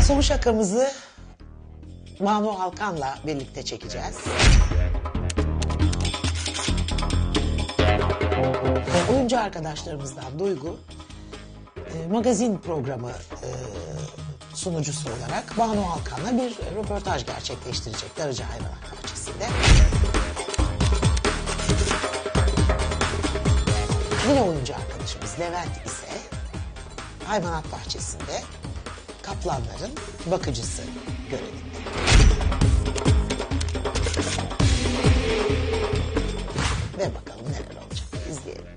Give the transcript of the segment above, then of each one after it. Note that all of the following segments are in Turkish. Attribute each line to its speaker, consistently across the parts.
Speaker 1: Son şakamızı Banu Alkan'la birlikte çekeceğiz. Oyuncu arkadaşlarımızdan Duygu, magazin programı sunucusu olarak Banu Alkan'la bir röportaj gerçekleştirecek Darıca Hayvanat Bahçesi'nde. Yine oyuncu arkadaşımız Levent ise hayvanat bahçesinde kaplanların bakıcısı görevinde. Ve bakalım neler olacak, izleyelim.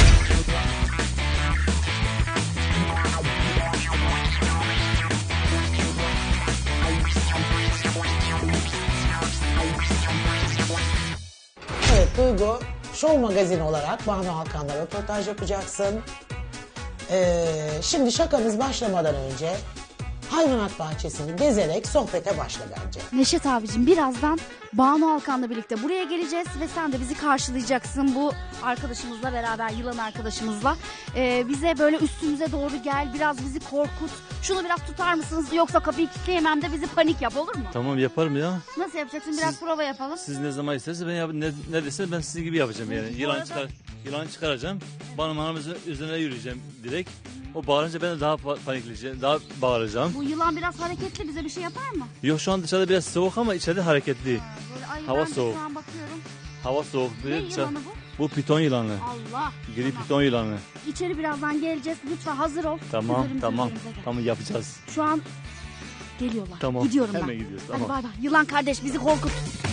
Speaker 1: Evet Duygu, Show Magazin olarak Banu Alkan'la röportaj yapacaksın. Şimdi şakamız başlamadan önce hayvanat bahçesini gezerek sohbete başla bence.
Speaker 2: Neşet abicim, birazdan Banu Alkan'la birlikte buraya geleceğiz ve sen de bizi karşılayacaksın bu arkadaşımızla beraber, yılan arkadaşımızla. Bize böyle üstümüze doğru gel, biraz bizi korkut. Şunu biraz tutar mısınız, yoksa kapıyı kilitleyemem de bizi panik yap, olur mu?
Speaker 3: Tamam, yaparım ya.
Speaker 2: Nasıl yapacaksın? Biraz prova yapalım.
Speaker 3: Siz ne zaman isterseniz ben ne deseniz ben sizin gibi yapacağım yani. Yılan çıkaracağım. Hanımızın üzerine yürüyeceğim direkt. O bağırınca ben de daha panikleyeceğim, daha bağıracağım.
Speaker 2: Bu yılan biraz hareketli, bize bir şey yapar mı?
Speaker 3: Yok, şu an dışarıda biraz soğuk ama içeride hareketli.
Speaker 2: Böyle,
Speaker 3: Hava
Speaker 2: ben de
Speaker 3: soğuk.
Speaker 2: şu an bakıyorum.
Speaker 3: Hava soğuk.
Speaker 2: Ne yılanı bu?
Speaker 3: Bu piton yılanı.
Speaker 2: Allah.
Speaker 3: Gri
Speaker 2: Tamam.
Speaker 3: piton yılanı.
Speaker 2: İçeri birazdan geleceğiz. Lütfen hazır ol.
Speaker 3: Tamam,
Speaker 2: Üzerimize
Speaker 3: tamam.
Speaker 2: gel.
Speaker 3: Tamam, yapacağız.
Speaker 2: Şu an geliyorlar.
Speaker 3: Tamam.
Speaker 2: Gidiyorum ben.
Speaker 3: Hemen gidiyoruz.
Speaker 2: Hadi
Speaker 3: Tamam.
Speaker 2: bay bay. Yılan kardeş, bizi korkut.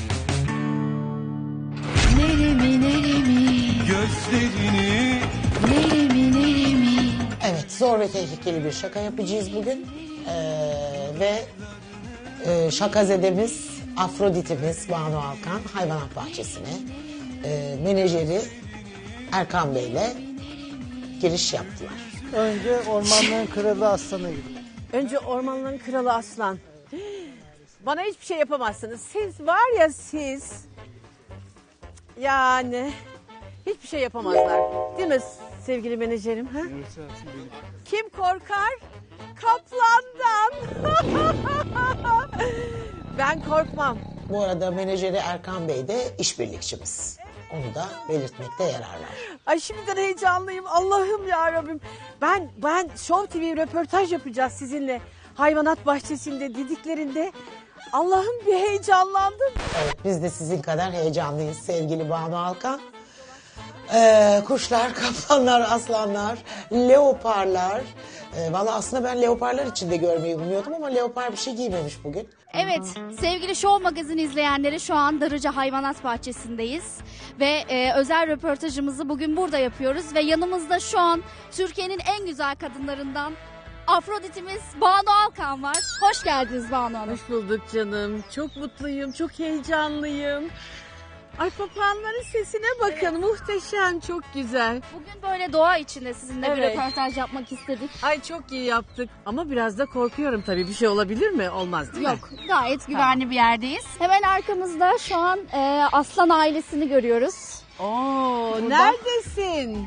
Speaker 2: Neremi neremi,
Speaker 4: Gözlerini
Speaker 2: neremi.
Speaker 1: Evet, zor ve tehlikeli bir şaka yapacağız bugün. Ve şakazedemiz, Afrodit'imiz Banu Alkan hayvanat bahçesine menajeri Erkan Bey'le giriş yaptılar.
Speaker 5: Önce ormanların kralı aslanı gibi.
Speaker 6: Önce ormanların kralı aslan. Bana hiçbir şey yapamazsınız. Siz var ya siz. Yani hiçbir şey yapamazlar. Değil mi sevgili menajerim? Ha? Kim korkar? Kaplandan. Ben korkmam.
Speaker 1: Bu arada menajeri Erkan Bey de işbirlikçimiz. Onu da belirtmekte yarar var.
Speaker 6: Ay şimdiden heyecanlıyım. Allah'ım ya Rabbim. Ben Show TV röportaj yapacağız sizinle. Hayvanat bahçesinde dediklerinde Allah'ım bir heyecanlandım.
Speaker 1: Evet, biz de sizin kadar heyecanlıyız sevgili Banu Alkan. Kuşlar, kaplanlar, aslanlar, leoparlar. Valla aslında ben leoparlar içinde görmeyi umuyordum ama leopar bir şey giymemiş bugün.
Speaker 2: Evet, sevgili Show Magazin izleyenleri, şu an Darıca Hayvanat Bahçesi'ndeyiz. Ve özel röportajımızı bugün burada yapıyoruz. Ve yanımızda şu an Türkiye'nin en güzel kadınlarından Afrodit'imiz Banu Alkan var. Hoş geldiniz Banu Hanım.
Speaker 6: Hoş bulduk canım. Çok mutluyum, çok heyecanlıyım. Ay papağanların sesine bakın. Muhteşem, çok güzel.
Speaker 2: Bugün böyle doğa içinde sizinle bir
Speaker 6: Evet.
Speaker 2: röportaj yapmak istedik.
Speaker 6: Ay çok iyi yaptık. Ama biraz da korkuyorum tabii. Bir şey olabilir mi? Olmaz değil mi?
Speaker 2: Yok, gayet güvenli bir yerdeyiz. Hemen arkamızda şu an aslan ailesini görüyoruz.
Speaker 6: Oo,
Speaker 2: Burada.
Speaker 6: neredesin?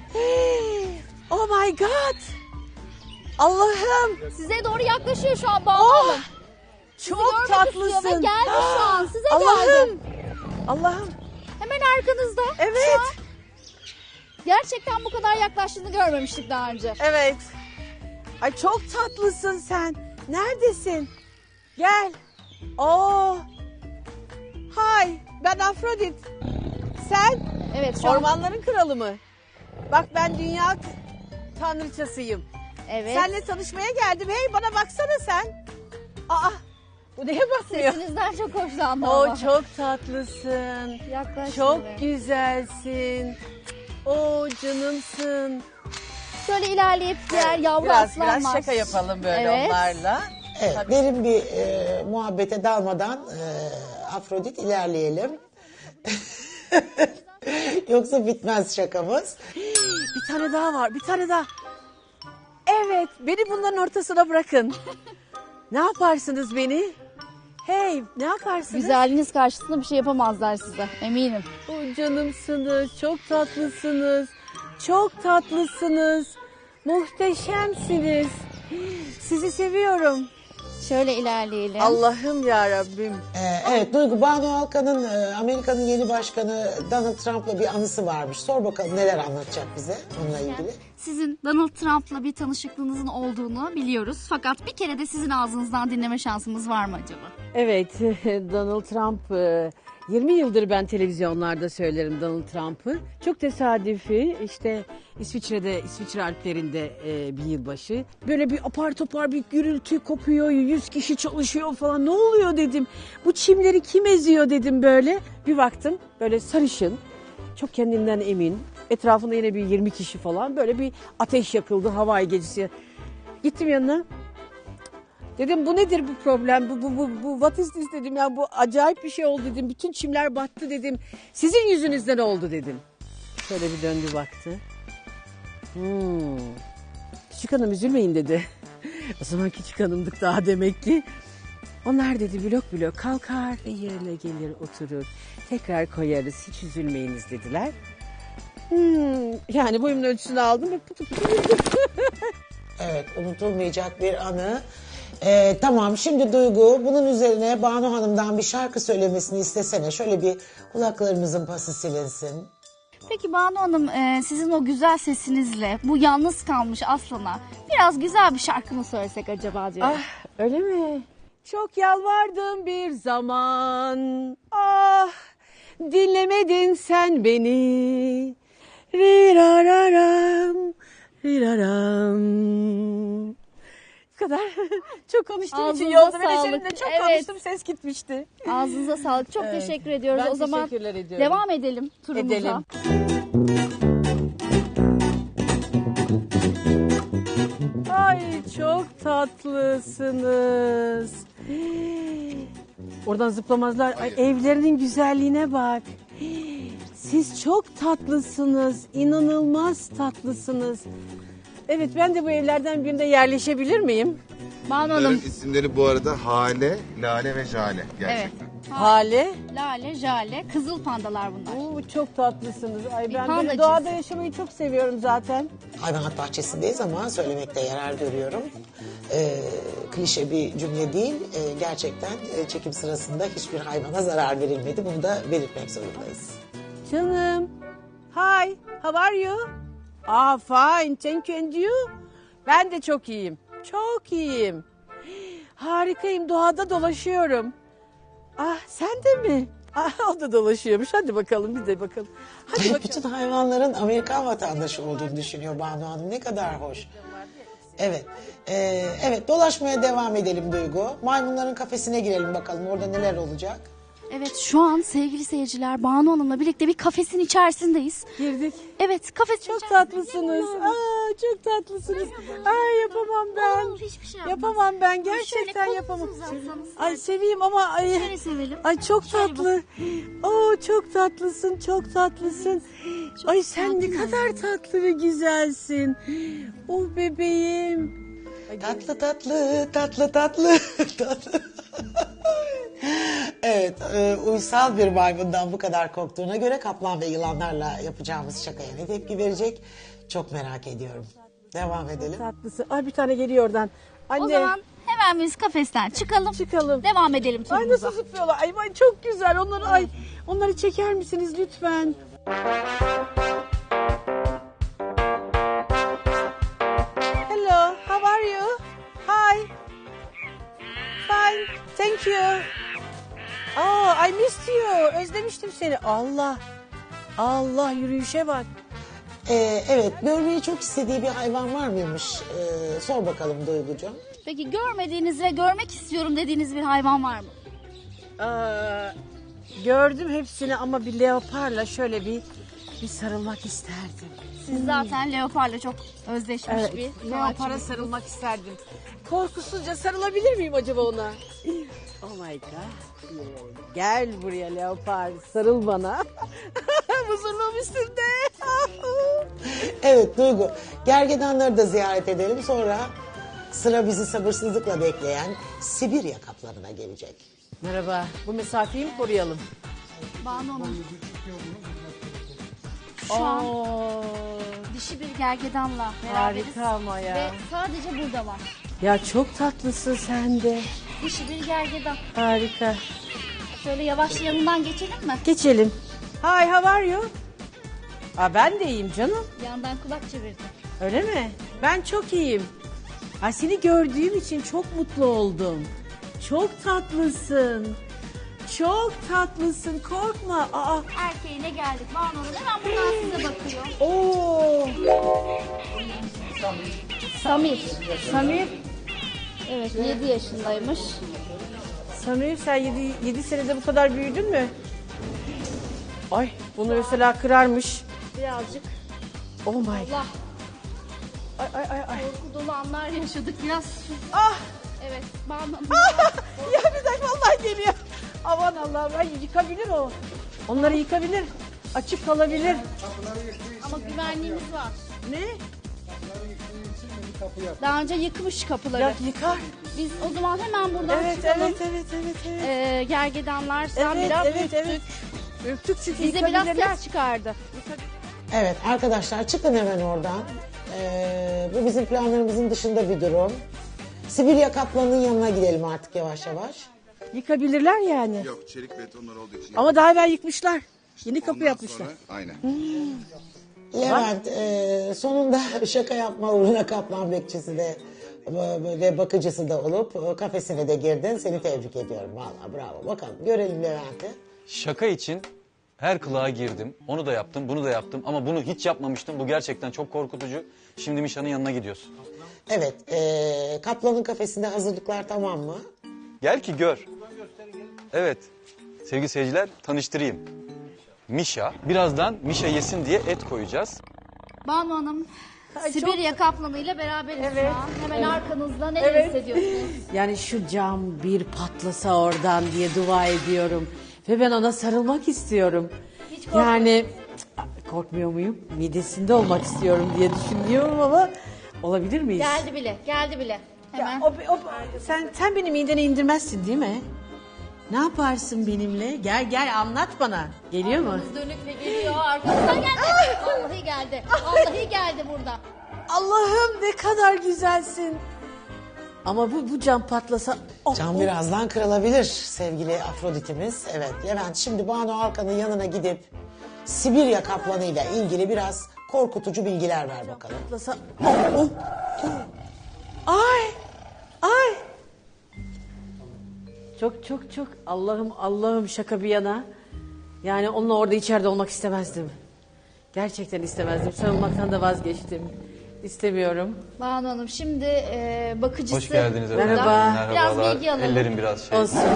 Speaker 6: Oh my God. Allah'ım.
Speaker 2: Size doğru yaklaşıyor şu an Banu
Speaker 6: Oh,
Speaker 2: Hanım.
Speaker 6: çok
Speaker 2: görmek istiyor
Speaker 6: tatlısın.
Speaker 2: ve geldi şu an, size
Speaker 6: Allah'ım.
Speaker 2: geldi.
Speaker 6: Allah'ım.
Speaker 2: Hemen arkanızda.
Speaker 6: Evet.
Speaker 2: Şu an gerçekten bu kadar yaklaştığını görmemiştik daha önce.
Speaker 6: Evet. Ay çok tatlısın sen. Neredesin? Gel. Oo. Hay, ben Afrodit. Sen
Speaker 2: Evet, şu an.
Speaker 6: ormanların kralı mı? Bak ben dünya tanrıçasıyım.
Speaker 2: Evet.
Speaker 6: Seninle tanışmaya geldim. Hey bana baksana sen. Aa, bu neye bakmıyor?
Speaker 2: Sesinizden çok hoşlandım.
Speaker 6: Oo
Speaker 2: ama.
Speaker 6: çok tatlısın.
Speaker 2: Yaklaş
Speaker 6: Çok
Speaker 2: şimdi.
Speaker 6: güzelsin. Oo canımsın.
Speaker 2: Şöyle ilerleyip diğer yavru
Speaker 6: Biraz
Speaker 2: aslanlar.
Speaker 6: şaka yapalım böyle
Speaker 2: Evet.
Speaker 6: onlarla.
Speaker 1: Evet,
Speaker 6: Tabii.
Speaker 1: derin bir muhabbete dalmadan Afrodit ilerleyelim. Yoksa bitmez şakamız.
Speaker 6: Bir tane daha var, bir tane daha. Evet, beni bunların ortasına bırakın. Ne yaparsınız beni? Hey, ne yaparsınız?
Speaker 2: Güzelliğiniz karşısında bir şey yapamazlar size, eminim.
Speaker 6: O canımsınız, çok tatlısınız. Çok tatlısınız. Muhteşemsiniz. Sizi seviyorum.
Speaker 2: Şöyle ilerleyelim.
Speaker 6: Allah'ım ya Rabbim.
Speaker 1: Evet Duygu, Banu Alkan'ın Amerika'nın yeni başkanı Donald Trump'la bir anısı varmış. Sor bakalım neler anlatacak bize onunla ilgili.
Speaker 2: Sizin Donald Trump'la bir tanışıklığınızın olduğunu biliyoruz. Fakat bir kere de sizin ağzınızdan dinleme şansımız var mı acaba?
Speaker 6: Evet, Donald Trump 20 yıldır ben televizyonlarda söylerim Donald Trump'ı. Çok tesadüfi işte İsviçre Alplerinde bir yılbaşı. Böyle bir apar topar bir gürültü kopuyor, 100 kişi çalışıyor falan. Ne oluyor dedim. Bu çimleri kim eziyor dedim böyle. Bir baktım böyle sarışın, çok kendinden emin. Etrafında yine bir 20 kişi falan, böyle bir ateş yakıldı Hawaii gecesi. Gittim yanına. Dedim bu nedir bu problem? Bu what is this dedim ya, bu acayip bir şey oldu dedim. Bütün çimler battı dedim. Sizin yüzünüzden oldu dedim. Şöyle bir döndü baktı. Küçük hanım üzülmeyin dedi. O zaman küçük hanımdık daha demek ki. Onlar dedi blok blok kalkar ve yerine gelir oturur. Tekrar koyarız, hiç üzülmeyiniz dediler. Yani boyumun ölçüsünü aldım ve pıtı pıtı yürüdüm.
Speaker 1: Evet, unutulmayacak bir anı. Tamam, şimdi Duygu bunun üzerine Banu Hanım'dan bir şarkı söylemesini istesene. Şöyle bir kulaklarımızın pası silinsin.
Speaker 2: Peki Banu Hanım, sizin o güzel sesinizle bu yalnız kalmış aslana biraz güzel bir şarkı mı söylesek acaba diyorum.
Speaker 6: Öyle mi? Çok yalvardım bir zaman. Ah, dinlemedin sen beni. Rirararam, riraram. Bu kadar. Çok konuştuğum için
Speaker 2: Ağzınıza
Speaker 6: yolda
Speaker 2: sağlık.
Speaker 6: menajerimle çok
Speaker 2: Evet.
Speaker 6: konuştum, ses gitmişti.
Speaker 2: Ağzınıza sağlık. Çok teşekkür ediyoruz.
Speaker 6: Ben
Speaker 2: O zaman
Speaker 6: teşekkürler ediyorum.
Speaker 2: devam edelim turumuza.
Speaker 6: Edelim. Ay çok tatlısınız. Oradan zıplamazlar. Ay, evlerinin güzelliğine bak. Siz çok tatlısınız. İnanılmaz tatlısınız. Evet, ben de bu evlerden birinde yerleşebilir miyim?
Speaker 2: Banu
Speaker 7: Bunların
Speaker 2: Hanım.
Speaker 7: isimleri bu arada Hale, Lale ve Jale gerçekten.
Speaker 2: Evet.
Speaker 6: Hale.
Speaker 2: Lale, Jale, kızıl pandalar bunlar.
Speaker 6: Oo, çok tatlısınız. Ay, ben
Speaker 2: panda
Speaker 6: böyle doğada
Speaker 2: cinsi.
Speaker 6: yaşamayı çok seviyorum zaten.
Speaker 1: Hayvanat bahçesindeyiz ama söylemekte yarar görüyorum. Klişe bir cümle değil. Gerçekten çekim sırasında hiçbir hayvana zarar verilmedi. Bunu da belirtmek zorundayız.
Speaker 6: Canım. Hi, how are you? Ah, fine, thank you and you? Ben de çok iyiyim. Çok iyiyim. Harikayım, doğada dolaşıyorum. Ah, sen de mi? Ah, o da dolaşıyormuş. Hadi bakalım, biz de bakalım. Hadi
Speaker 1: Evet,
Speaker 6: bakalım.
Speaker 1: bütün hayvanların Amerikan vatandaşı olduğunu düşünüyor Banu Hanım. Ne kadar hoş. Evet. Evet, dolaşmaya devam edelim Duygu. Maymunların kafesine girelim bakalım. Orada neler olacak?
Speaker 2: Evet, şu an sevgili seyirciler Banu Hanım'la birlikte bir kafesin içerisindeyiz.
Speaker 6: Girdik.
Speaker 2: Evet, kafesin
Speaker 6: Çok
Speaker 2: içerisinde.
Speaker 6: tatlısınız. Aa, çok tatlısınız. Ay, yapamam ben.
Speaker 2: Olur, hiçbir şey yapmaz.
Speaker 6: Yapamam ben.
Speaker 2: Şöyle
Speaker 6: Gerçekten
Speaker 2: kolunuzu
Speaker 6: yapamam.
Speaker 2: uzatsanız.
Speaker 6: Ay, seveyim ama ay.
Speaker 2: Şöyle sevelim.
Speaker 6: Ay, çok
Speaker 2: Şöyle
Speaker 6: tatlı. Oo, çok tatlısın, çok tatlısın. Ay, sen ne kadar tatlı ve güzelsin. Oh bebeğim.
Speaker 1: Tatlı tatlı, tatlı tatlı, tatlı. Evet, uysal bir maymundan bu kadar korktuğuna göre kaplan ve yılanlarla yapacağımız şakaya ne tepki verecek? Çok merak ediyorum. Devam edelim.
Speaker 6: Tatlısın. Ay, bir tane geliyor oradan. Anne.
Speaker 2: O zaman hemen biz kafesten çıkalım.
Speaker 6: Çıkalım.
Speaker 2: Devam edelim
Speaker 6: Ay,
Speaker 2: turumuza.
Speaker 6: nasıl zıplıyorlar. Ay, çok güzel. Onları çeker misiniz lütfen? Hello, how are you? Hi. Fine, thank you. Oh, I missed you. Özlemiştim seni. Allah, yürüyüşe bak.
Speaker 1: Evet, görmeyi çok istediği bir hayvan var mıymış? Sor bakalım Duygucuğum.
Speaker 2: Peki görmediğiniz ve görmek istiyorum dediğiniz bir hayvan var mı?
Speaker 6: Gördüm hepsini ama bir leoparla şöyle bir sarılmak isterdim.
Speaker 2: Siz zaten leoparla çok özleşmiş bir
Speaker 6: Leopara
Speaker 2: sanatçı.
Speaker 6: sarılmak isterdim. Korkusuzca sarılabilir miyim acaba ona? Oh my god. Gel buraya leopar, sarıl bana. Huzurluğum üstünde.
Speaker 1: Evet Duygu, gergedanları da ziyaret edelim. Sonra sıra bizi sabırsızlıkla bekleyen Sibirya kaplanına gelecek.
Speaker 6: Merhaba. Bu mesafeyi mi koruyalım?
Speaker 2: Banu Hanım. Şu an Dişi bir gergedanla beraberiz.
Speaker 6: Harika ama ya.
Speaker 2: Ve sadece burada var.
Speaker 6: Ya çok tatlısın sen de.
Speaker 2: Dişi bir gergedan.
Speaker 6: Harika.
Speaker 2: Şöyle yavaş yanından geçelim mi?
Speaker 6: Geçelim. Hi, how are you? Aa, ben de iyiyim canım.
Speaker 2: Yandan kulak çevirdi.
Speaker 6: Öyle mi? Ben çok iyiyim. Ay, seni gördüğüm için çok mutlu oldum. Çok tatlısın. Çok tatlısın. Korkma. Aa.
Speaker 2: Erkeğine geldik. Banu Hanım hemen buradan size bakıyor.
Speaker 6: Oo.
Speaker 2: Samir.
Speaker 6: Samir.
Speaker 2: Evet 7 yaşındaymış.
Speaker 6: Samir, sen 7 senede bu kadar büyüdün mü? Ay, bunu mesela kırarmış.
Speaker 2: Birazcık
Speaker 6: Oh my.
Speaker 2: Allah
Speaker 6: Ay ay ay ay.
Speaker 2: korku dolu anlar yaşadık. Biraz
Speaker 6: Ah!
Speaker 2: evet Banu Hanım.
Speaker 6: Ya bir dakika, vallahi geliyor. Aman Allah'ım, ay yıkabilir o. Onları yıkabilir. Açık kalabilir.
Speaker 2: Ama güvenliğimiz var.
Speaker 6: Ne?
Speaker 2: Daha önce yıkmış kapıları.
Speaker 6: Ya yıkar.
Speaker 2: Biz o zaman hemen buradan
Speaker 6: Evet,
Speaker 2: çıkalım.
Speaker 6: evet, evet, evet, evet.
Speaker 2: Gergedanlar sen
Speaker 6: Evet,
Speaker 2: biraz
Speaker 6: evet,
Speaker 2: ürktük.
Speaker 6: evet. Ürktük çünkü
Speaker 2: Bize biraz
Speaker 6: yıkabilirler.
Speaker 2: ses çıkardı.
Speaker 1: Evet arkadaşlar çıkın hemen oradan. Bu bizim planlarımızın dışında bir durum. Sibirya kaplanının yanına gidelim artık yavaş yavaş.
Speaker 6: Yıkabilirler yani.
Speaker 7: Yok, çelik betonlar olduğu için.
Speaker 6: Ama daha evvel yıkmışlar. Yeni kapı
Speaker 7: Ondan
Speaker 6: yapmışlar.
Speaker 7: sonra- aynen.
Speaker 1: Levent sonunda şaka yapma uğruna kaplan bekçisi de ve bakıcısı da olup kafesine de girdin. Seni tebrik ediyorum vallahi bravo. Bakalım görelim Levent'i.
Speaker 8: Şaka için her kılığa girdim. Onu da yaptım, bunu da yaptım. Ama bunu hiç yapmamıştım. Bu gerçekten çok korkutucu. Şimdi Mişa'nın yanına gidiyorsun.
Speaker 1: Evet kaplanın kafesinde hazırlıklar tamam mı?
Speaker 8: Gel ki gör. Evet, sevgili seyirciler tanıştırayım. Mişa. Birazdan Mişa yesin diye et koyacağız.
Speaker 2: Banu Hanım Sibirya kaplanıyla beraberiz
Speaker 6: Evet.
Speaker 2: şu an. Hemen arkanızda neler hissediyorsunuz?
Speaker 6: Yani şu cam bir patlasa oradan diye dua ediyorum. Ve ben ona sarılmak istiyorum.
Speaker 2: Hiç korkmuyor
Speaker 6: Yani korkmuyor muyum? Midesinde olmak istiyorum diye düşünüyorum ama olabilir miyiz?
Speaker 2: Geldi bile, geldi bile. Hemen.
Speaker 6: Sen beni midene indirmezsin değil mi? Ne yaparsın benimle? Gel anlat bana. Geliyor mu?
Speaker 2: Dönük ve geliyor arkamızdan geldi. Vallahi geldi. Vallahi geldi burada.
Speaker 6: Allah'ım ne kadar güzelsin. Ama bu cam patlasa... Oh,
Speaker 1: Cam
Speaker 6: oh.
Speaker 1: birazdan kırılabilir sevgili Afrodit'imiz. Evet Levent şimdi Banu Alkan'ın yanına gidip Sibirya kaplanıyla ilgili biraz korkutucu bilgiler ver bakalım.
Speaker 6: Patlasa... Oh, oh, oh. Ay! Ay! Çok Allah'ım şaka bir yana. Yani onunla orada içeride olmak istemezdim. Gerçekten istemezdim. Sarılmaktan da vazgeçtim. İstemiyorum.
Speaker 2: Banu Hanım şimdi bakıcısı.
Speaker 8: Hoş geldiniz
Speaker 2: burada.
Speaker 8: efendim.
Speaker 6: Merhaba.
Speaker 2: Biraz
Speaker 8: Merhabalar.
Speaker 2: bilgi alalım.
Speaker 8: Ellerim biraz şey.
Speaker 6: Olsun.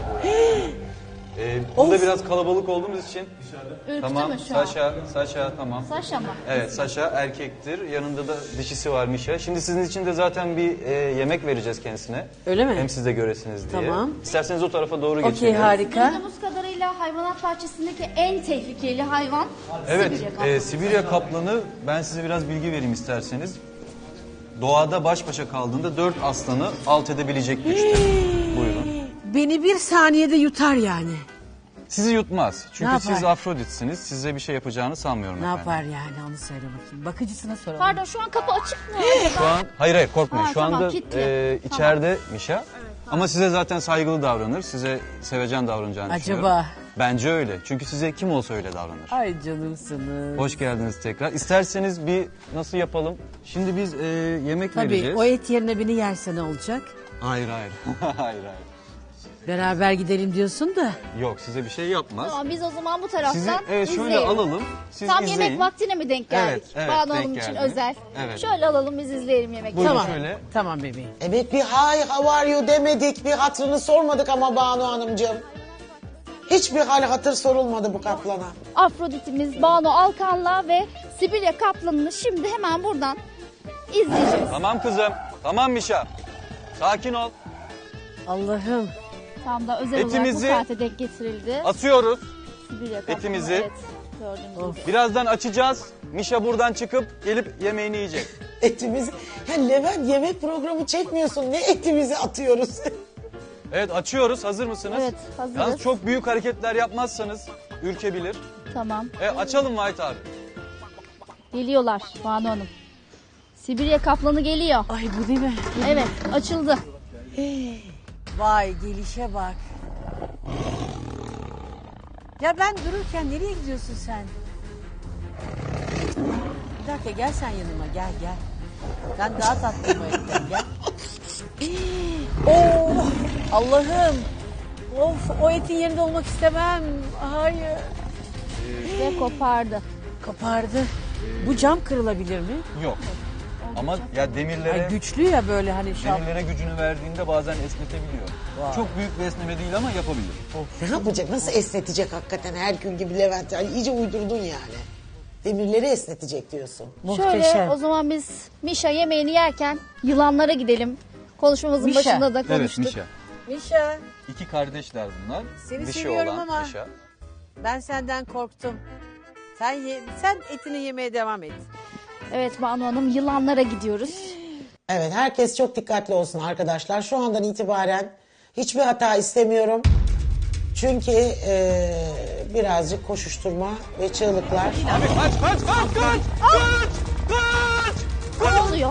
Speaker 8: Burada
Speaker 6: Of.
Speaker 8: biraz kalabalık olduğumuz için.
Speaker 2: Ürktü
Speaker 8: Tamam,
Speaker 2: mü şu an?
Speaker 8: Saşa tamam.
Speaker 2: Saşa mı?
Speaker 8: Evet, Saşa erkektir. Yanında da dişisi var Mişa. Şimdi sizin için de zaten bir yemek vereceğiz kendisine.
Speaker 6: Öyle mi?
Speaker 8: Hem siz de göresiniz diye.
Speaker 6: Tamam.
Speaker 8: İsterseniz o tarafa doğru
Speaker 6: Okey,
Speaker 8: geçelim.
Speaker 6: harika.
Speaker 2: Duyduğumuz kadarıyla hayvanat bahçesindeki en tehlikeli hayvan
Speaker 8: Evet,
Speaker 2: Sibirya kaplanı.
Speaker 8: Sibirya kaplanı, ben size biraz bilgi vereyim isterseniz. Doğada baş başa kaldığında 4 aslanı alt edebilecek güçte. Buyurun.
Speaker 6: Beni bir saniyede yutar yani.
Speaker 8: Sizi yutmaz. Çünkü
Speaker 6: Ne
Speaker 8: siz
Speaker 6: yapar?
Speaker 8: Afroditsiniz. Size bir şey yapacağını sanmıyorum
Speaker 6: Ne
Speaker 8: efendim.
Speaker 6: yapar yani onu söyle bakayım. Bakıcısına soralım.
Speaker 2: Pardon şu an kapı açık mı?
Speaker 8: Şu an, hayır korkmayın.
Speaker 2: Ha,
Speaker 8: Şu
Speaker 2: tamam,
Speaker 8: anda
Speaker 2: kilitli.
Speaker 8: içeride Mişa. Ama size zaten saygılı davranır. Size sevecen davranacağını
Speaker 6: Acaba?
Speaker 8: düşünüyorum. Bence öyle. Çünkü size kim olsa öyle davranır.
Speaker 6: Ay canımsınız.
Speaker 8: Hoş geldiniz tekrar. İsterseniz bir nasıl yapalım? Şimdi biz yemek
Speaker 6: Tabii
Speaker 8: vereceğiz.
Speaker 6: o et yerine beni yerse ne olacak?
Speaker 8: Hayır. hayır.
Speaker 6: Beraber gidelim diyorsun da.
Speaker 8: Yok size bir şey yapmaz.
Speaker 2: Tamam biz o zaman bu taraftan
Speaker 8: Sizi evet şöyle
Speaker 2: izleyelim.
Speaker 8: alalım. Siz
Speaker 2: Tam
Speaker 8: izleyin.
Speaker 2: yemek vaktine mi denk geldik?
Speaker 8: Evet,
Speaker 2: Banu
Speaker 8: denk
Speaker 2: Hanım için
Speaker 8: geldi.
Speaker 2: özel.
Speaker 8: Evet.
Speaker 2: Şöyle alalım biz izleyelim yemekleri.
Speaker 8: Buyurun
Speaker 6: Tamam.
Speaker 8: şöyle.
Speaker 6: Tamam bebeğim.
Speaker 1: Evet bir hi how are you demedik bir hatırını sormadık ama Banu Hanımcığım. Hiçbir hal hatır sorulmadı bu kaplana.
Speaker 2: Afroditimiz Banu Alkan'la ve Sibirya kaplanını şimdi hemen buradan izleyeceğiz.
Speaker 8: Tamam kızım. Tamam Mişa. Sakin ol.
Speaker 6: Allah'ım.
Speaker 2: Tam da özel
Speaker 8: Etimizi
Speaker 2: olarak bu saate denk getirildi.
Speaker 8: Asıyoruz.
Speaker 2: Sibirya kaplanı,
Speaker 8: etimizi.
Speaker 2: Evet, gördüğünüz gibi.
Speaker 8: Birazdan açacağız. Mişa buradan çıkıp gelip yemeğini yiyecek.
Speaker 1: Etimizi. Ya Levent yemek programı çekmiyorsun. Ne etimizi atıyoruz?
Speaker 8: Evet açıyoruz. Hazır mısınız?
Speaker 2: Evet, hazırız.
Speaker 8: Yalnız çok büyük hareketler yapmazsanız ürkebilir.
Speaker 2: Tamam.
Speaker 8: Açalım White abi.
Speaker 2: Geliyorlar Banu Hanım. Sibirya kaplanı geliyor.
Speaker 6: Ay bu değil mi?
Speaker 2: Evet, açıldı.
Speaker 6: Vay gelişe bak. Ya ben dururken nereye gidiyorsun sen? Bir dakika gel sen yanıma gel. Ben daha tatlıyım o etten gel. Oh Allah'ım. Of o etin yerinde olmak istemem. Hayır.
Speaker 2: Ve kopardı.
Speaker 6: Kapardı. Bu cam kırılabilir mi?
Speaker 8: Yok. Ama ya demirlere
Speaker 6: Ay güçlü ya böyle hani şap.
Speaker 8: demirlere gücünü verdiğinde bazen esnetebiliyor. Çok büyük bir esneme değil ama yapabilir.
Speaker 1: Ne yapacak? Nasıl esnetecek hakikaten Herkül gibi Levent? Yani iyice uydurdun yani. Demirleri esnetecek diyorsun.
Speaker 6: Muhteşem.
Speaker 2: Şöyle o zaman biz Mişa yemeğini yerken yılanlara gidelim. Konuşmamızın
Speaker 6: Mişa.
Speaker 2: başında da
Speaker 8: Evet
Speaker 2: konuştuk.
Speaker 8: Mişa.
Speaker 6: Mişa
Speaker 8: İki kardeşler bunlar.
Speaker 6: Seni
Speaker 8: Dişi
Speaker 6: seviyorum
Speaker 8: olan
Speaker 6: ama-
Speaker 8: Mişa.
Speaker 6: ben senden korktum. Sen etini yemeye devam et.
Speaker 2: Evet Banu Hanım, yılanlara gidiyoruz.
Speaker 1: Evet, herkes çok dikkatli olsun arkadaşlar. Şu andan itibaren hiçbir hata istemiyorum. Çünkü birazcık koşuşturma ve çığlıklar.
Speaker 2: Ne oluyor?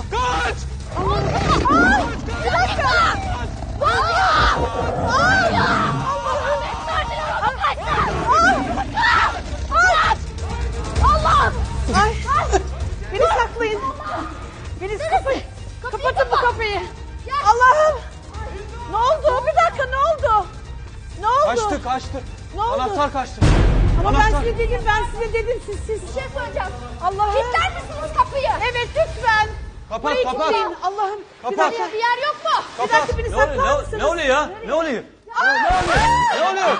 Speaker 6: Beni saklayın. Beni kapayın. Kapatın bu kapıyı. Allah'ım. Ne oldu? Bir dakika ne oldu? Ne oldu?
Speaker 8: Kaçtı.
Speaker 6: Ne oldu?
Speaker 8: Anahtar kaçtı.
Speaker 6: Ama ben size dedim siz.
Speaker 2: Bir şey söyleyeceğim.
Speaker 6: Allah'ım.
Speaker 2: Kilitler misiniz kapıyı?
Speaker 6: Evet lütfen.
Speaker 8: Kapat
Speaker 6: Burayı
Speaker 8: kapat.
Speaker 6: kilitleyin. Allah'ım. Bir
Speaker 8: Kapat.
Speaker 6: dakika.
Speaker 2: Bir yer yok mu?
Speaker 6: Bir dakika beni saklar mısınız?
Speaker 8: Ne oluyor ya? Ne oluyor? Ne oluyor?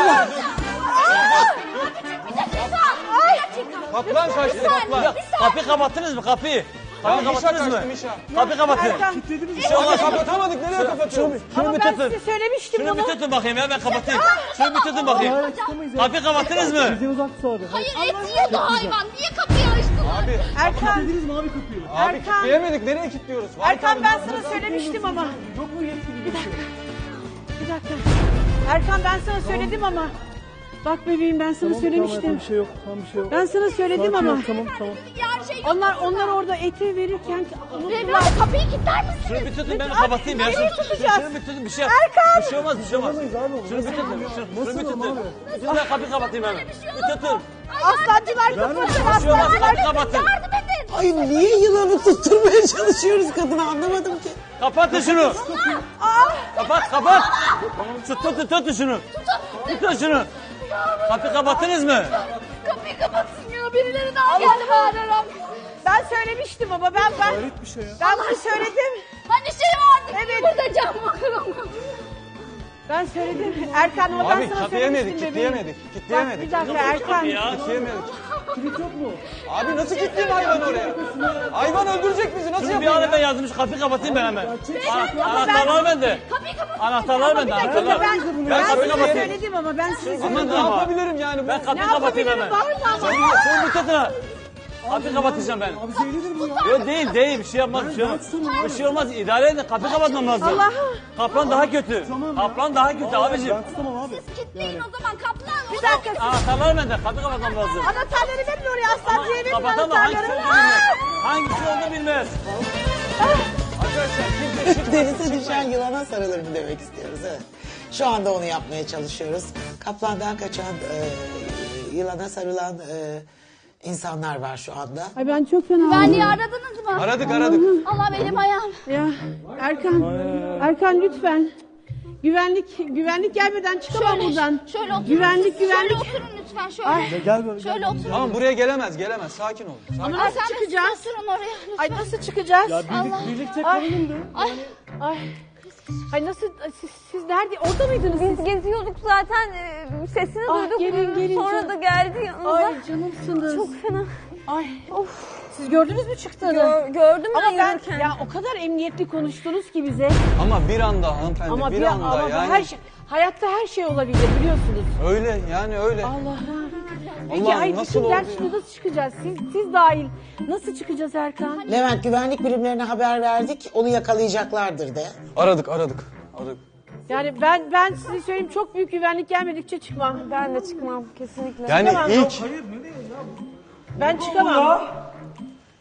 Speaker 8: Kaplan kaçtı kaplan.
Speaker 3: Kapıyı kapattınız mı kapıyı? Kapıyı kapattınız mı? Kapıyı kapatın.
Speaker 6: Erkan.
Speaker 3: Bir şey olmaz.
Speaker 8: Kapatamadık. Nereye kapatıyoruz?
Speaker 3: Şunu
Speaker 6: Ama
Speaker 3: bir
Speaker 6: ben
Speaker 3: tutun.
Speaker 6: size söylemiştim
Speaker 3: Şunu bir
Speaker 6: bunu.
Speaker 3: tutun bakayım ya, ben kapatayım. Şunu bir tutun bakayım. Kapıyı kapattınız mı?
Speaker 2: Hayır, et yiyordu hayvan. Niye kapıyı açtılar?
Speaker 8: Abi.
Speaker 6: Erkan.
Speaker 8: Abi
Speaker 6: Erkan.
Speaker 8: kilitleyemedik. Nereye kilitliyoruz?
Speaker 6: Erkan ben sana söylemiştim ama. Yok mu yetkili bir dakika. Bir dakika. Erkan ben sana söyledim ama. Bak bebeğim ben sana söylemiştim.
Speaker 5: Bir şey yok. Tamam bir şey yok.
Speaker 6: Ben sana söyledim ama.
Speaker 5: Tamam.
Speaker 2: Yer şey yok.
Speaker 6: Onlar orada eti verirken
Speaker 2: Beyefendi, kapıyı kilitler misiniz?
Speaker 3: Şunu bir tutun, ben kapatayım ya.
Speaker 6: Nereye tutacağız?
Speaker 3: Şunu bir tutun, bir şey.
Speaker 6: Erkan!
Speaker 3: Bir şey olmaz, bir şey olmaz. Şunu bir tutun. Şunu bir tutun. Ben kapıyı kapatayım hemen. Bir tutun.
Speaker 6: Aslancılar kapatın
Speaker 3: Bir şey olmaz,
Speaker 6: aslancılar.
Speaker 3: kapıyı kapatın.
Speaker 2: Yardım edin.
Speaker 1: Ay niye yılanı tutturmaya çalışıyoruz kadını anlamadım ki.
Speaker 3: Kapatın şunu. Kapat. Tutun şunu. Tutun şunu. Kapıyı kapattınız mı?
Speaker 2: Kapıyı kapatsın ya. Birileri daha geldi bağırarak.
Speaker 6: Ben söylemiştim ama ben bunu söyledim.
Speaker 2: Hani şey vardı.
Speaker 6: Evet.
Speaker 2: Burada cam var.
Speaker 6: Ben söyledim. Erkan ama ben
Speaker 8: Abi
Speaker 6: sana
Speaker 8: kilitleyemedik.
Speaker 6: söylemiştim bebeğim.
Speaker 8: Kilitleyemedik.
Speaker 6: Bak bir dakika Erkan.
Speaker 3: Ya.
Speaker 8: Abi nasıl kilitleyeyim hayvan oraya? Hayvan öldürecek bizi. Nasıl
Speaker 3: Şunu bir
Speaker 8: yapayım
Speaker 3: ara ben
Speaker 8: ya?
Speaker 3: yazdım, şu kapıyı kapatayım ben hemen.
Speaker 6: Ama
Speaker 3: Anahtarlar bende.
Speaker 2: Kapıyı kapatın.
Speaker 3: Anahtarlar bende,
Speaker 6: Bir dakika
Speaker 3: anahtarlar.
Speaker 6: ben
Speaker 3: kapıyı
Speaker 6: size
Speaker 3: kapatayım.
Speaker 6: söyledim ama ben size
Speaker 8: Ama ne yapabilirim yani?
Speaker 3: Ben kapıyı
Speaker 6: Ne
Speaker 3: kapatayım
Speaker 6: yapabilirim?
Speaker 3: hemen.
Speaker 6: Bağırma ama.
Speaker 3: Şunu bir tutun ha. Kapıyı kapatacağım ben.
Speaker 5: Abi zehirlidir bu ya.
Speaker 3: Yok değil, bir şey yapmaz, bir şey olmaz. Bir şey olmaz, idare edin, kapıyı kapatmam lazım.
Speaker 6: Allah'ım.
Speaker 3: Kaplan daha kötü. Kaplan daha kötü abicim.
Speaker 5: Ben tutamam abi.
Speaker 2: Kilitleyin o zaman kaplan.
Speaker 6: Bir dakika.
Speaker 3: Anahtarlar bende, kapıyı kapatmam lazım.
Speaker 6: Anahtarları verin oraya aslancıya verin
Speaker 3: Kapatan da hangisi
Speaker 6: anahtarları.
Speaker 3: olduğunu bilmez. Hangisi olduğunu bilmez.
Speaker 1: Denize düşen yılana sarılır mı demek istiyoruz. Evet. Şu anda onu yapmaya çalışıyoruz. Kaplandan kaçan, yılana sarılan insanlar var şu anda.
Speaker 6: Ay ben çok fena
Speaker 2: Güvenliği aradınız mı?
Speaker 8: Aradık.
Speaker 2: Allah benim ayağım.
Speaker 6: Ya Erkan lütfen. Güvenlik gelmeden çıkamam buradan.
Speaker 2: Şöyle oturun.
Speaker 6: Güvenlik.
Speaker 2: Şöyle oturun lütfen şöyle.
Speaker 5: Gel böyle.
Speaker 2: Şöyle oturun.
Speaker 8: Tamam buraya gelemez. Sakin ol.
Speaker 6: Ama
Speaker 2: Ay,
Speaker 6: nasıl
Speaker 2: sen de
Speaker 6: çıkacağız?
Speaker 2: oturun oraya lütfen.
Speaker 6: Ay nasıl çıkacağız?
Speaker 5: Birlikte
Speaker 6: Ay.
Speaker 5: kalalım da.
Speaker 6: Ay nasıl siz nerede? Orada mıydınız
Speaker 9: Biz
Speaker 6: siz?
Speaker 9: geziyorduk zaten sesini
Speaker 6: Ah,
Speaker 9: duyduk.
Speaker 6: gelin,
Speaker 9: Sonra
Speaker 6: canım.
Speaker 9: da geldi yanımıza.
Speaker 6: Ay canımsınız.
Speaker 9: Çok fena.
Speaker 6: Ay. Siz gördünüz mü çıktığını?
Speaker 9: Gördüm
Speaker 6: Ama
Speaker 9: ben
Speaker 6: ben
Speaker 9: yürürken.
Speaker 6: ya o kadar emniyetli konuştunuz ki bize.
Speaker 8: Ama bir anda hanımefendi
Speaker 6: Ama
Speaker 8: bir anda
Speaker 6: ama
Speaker 8: yani.
Speaker 6: her şey, hayatta her şey olabilir biliyorsunuz.
Speaker 8: Öyle yani öyle.
Speaker 6: Allah'ım. Peki
Speaker 8: Allah'ım,
Speaker 6: ay
Speaker 8: nasıl
Speaker 6: bütün
Speaker 8: oldu
Speaker 6: ders
Speaker 8: ya?
Speaker 6: şimdi nasıl çıkacağız? Siz dahil. Nasıl çıkacağız Erkan?
Speaker 1: Levent güvenlik birimlerine haber verdik. Onu yakalayacaklardır de.
Speaker 8: Aradık.
Speaker 6: Yani ben size söyleyeyim çok büyük güvenlik gelmedikçe çıkmam.
Speaker 9: Ben de çıkmam kesinlikle.
Speaker 8: Yani
Speaker 6: Tamam.
Speaker 8: ilk
Speaker 6: Ben çıkamam.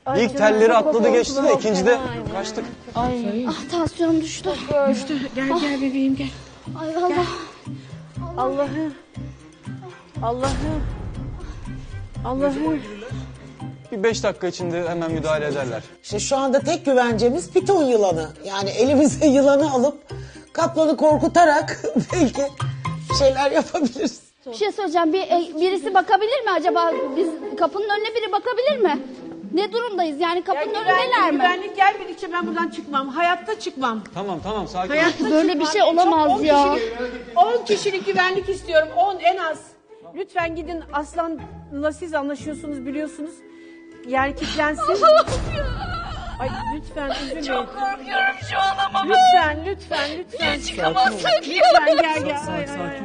Speaker 8: İlk telleri atladı geçti de ikincide kaçtık.
Speaker 2: Ah tansiyonum düştü.
Speaker 6: Gel bebeğim gel.
Speaker 2: Ay Allah.
Speaker 6: Allah'ım. Allah'ım. Allah'ım.
Speaker 8: Bir 5 dakika içinde hemen müdahale ederler.
Speaker 1: İşte şu anda tek güvencemiz piton yılanı. Yani elimize yılanı alıp kaplanı korkutarak belki bir şeyler yapabiliriz.
Speaker 2: Bir şey söyleyeceğim. Birisi bakabilir mi acaba? Biz kapının önüne biri bakabilir mi? Ne durumdayız? Yani kapının önündeler mi?
Speaker 6: Güvenlik gelmedikçe ben buradan çıkmam. Hayatta çıkmam.
Speaker 8: Tamam sakin ol.
Speaker 6: Hayatta
Speaker 2: Böyle
Speaker 6: çıkmam.
Speaker 2: bir şey olamaz
Speaker 6: Çok,
Speaker 2: ya.
Speaker 6: 10 kişilik güvenlik istiyorum. 10 en az. Lütfen gidin Aslan'la siz anlaşıyorsunuz biliyorsunuz. Yani kilitlensin. Ay lütfen üzülmeyin. Çok
Speaker 2: korkuyorum şu an ama.
Speaker 6: Lütfen.
Speaker 2: Çıkamazsak ya.
Speaker 6: Lütfen gel.
Speaker 5: Sakin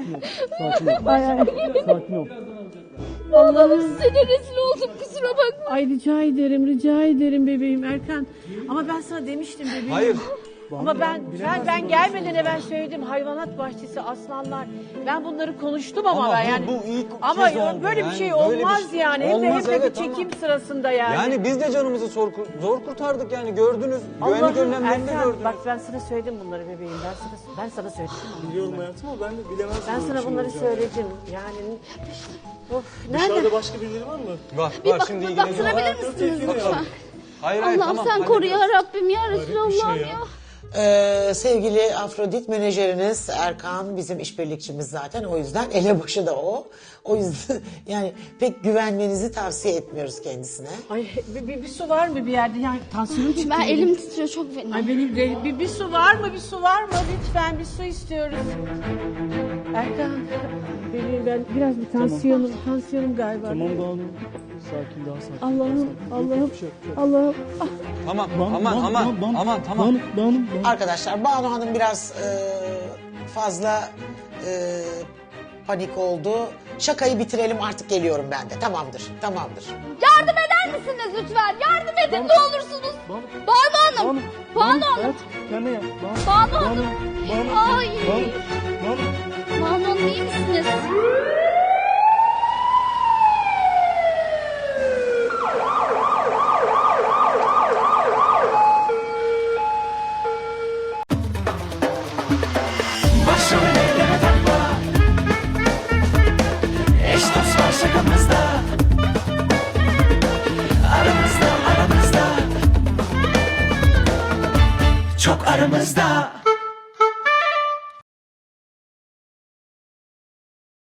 Speaker 5: ol.
Speaker 2: Allah'ım size rezil oldum, kusura bakma.
Speaker 6: Ay rica ederim bebeğim Erkan. Ama ben sana demiştim bebeğim.
Speaker 8: Hayır.
Speaker 6: Ama ben gelmeden evvel söyledim hayvanat bahçesi aslanlar. Ben bunları konuştum ama ben yani.
Speaker 8: bu ilk
Speaker 6: ama
Speaker 8: kez oldu.
Speaker 6: böyle bir
Speaker 8: Yani
Speaker 6: şey
Speaker 8: böyle bir
Speaker 6: olmaz
Speaker 8: şey-
Speaker 6: yani.
Speaker 8: Olmaz,
Speaker 6: Hep de
Speaker 8: evet,
Speaker 6: bir çekim
Speaker 8: ama-
Speaker 6: sırasında yani.
Speaker 8: Yani biz de canımızı zor kurtardık yani gördünüz. Güvenlik
Speaker 6: Allah'ım
Speaker 8: önlemlerini de
Speaker 6: Erkan
Speaker 8: gördünüz.
Speaker 6: bak ben sana söyledim bunları bebeğim. Ben sana söyledim.
Speaker 5: Biliyorum hayatım ama ben de bilemezdim.
Speaker 6: Ben
Speaker 5: böyle
Speaker 6: sana
Speaker 5: bir şey
Speaker 6: bunları
Speaker 5: olacağını.
Speaker 6: söyledim. Yani of nerede?
Speaker 5: Dışarıda başka birileri var mı?
Speaker 8: Var şimdi ilgileniyor.
Speaker 2: Baktırabilir misiniz lütfen?
Speaker 8: Hayır
Speaker 2: Allah'ım
Speaker 8: tamam.
Speaker 2: sen
Speaker 8: hallederiz.
Speaker 2: koru ya Rabbim ya Resulallah'ım ya.
Speaker 1: Sevgili Afrodit menajeriniz Erkan bizim işbirlikçimiz zaten, o yüzden elebaşı da o. O yüzden yani pek güvenmenizi tavsiye etmiyoruz kendisine.
Speaker 6: Ay bir su var mı bir yerde? Yani tansiyonum çıktı.
Speaker 2: Ben elim titriyor çok fena.
Speaker 6: Ay benim de bir su var mı? Bir su var mı? Lütfen bir su istiyoruz. Erkan, ben biraz bir tansiyonum galiba.
Speaker 5: Tamam Banu. Sakin, daha sakin.
Speaker 6: Allah'ım.
Speaker 5: Bir şey yok.
Speaker 6: Allah'ım.
Speaker 8: Tamam
Speaker 5: Banu,
Speaker 8: tamam.
Speaker 5: Banu.
Speaker 1: Arkadaşlar Banu Hanım biraz fazla panik oldu. Şakayı bitirelim, artık geliyorum ben de. Tamamdır.
Speaker 2: Yardım eder misiniz lütfen? Yardım edin ne olursunuz. Banu Hanım. Banu Hanım.
Speaker 5: Evet, kendine yap.
Speaker 2: Banu Hanım. Ay.
Speaker 5: Banu.
Speaker 2: Banu Hanım iyi misiniz?
Speaker 4: Başrol eyleme takma. Eş dost var şakamızda. Aramızda Çok aramızda.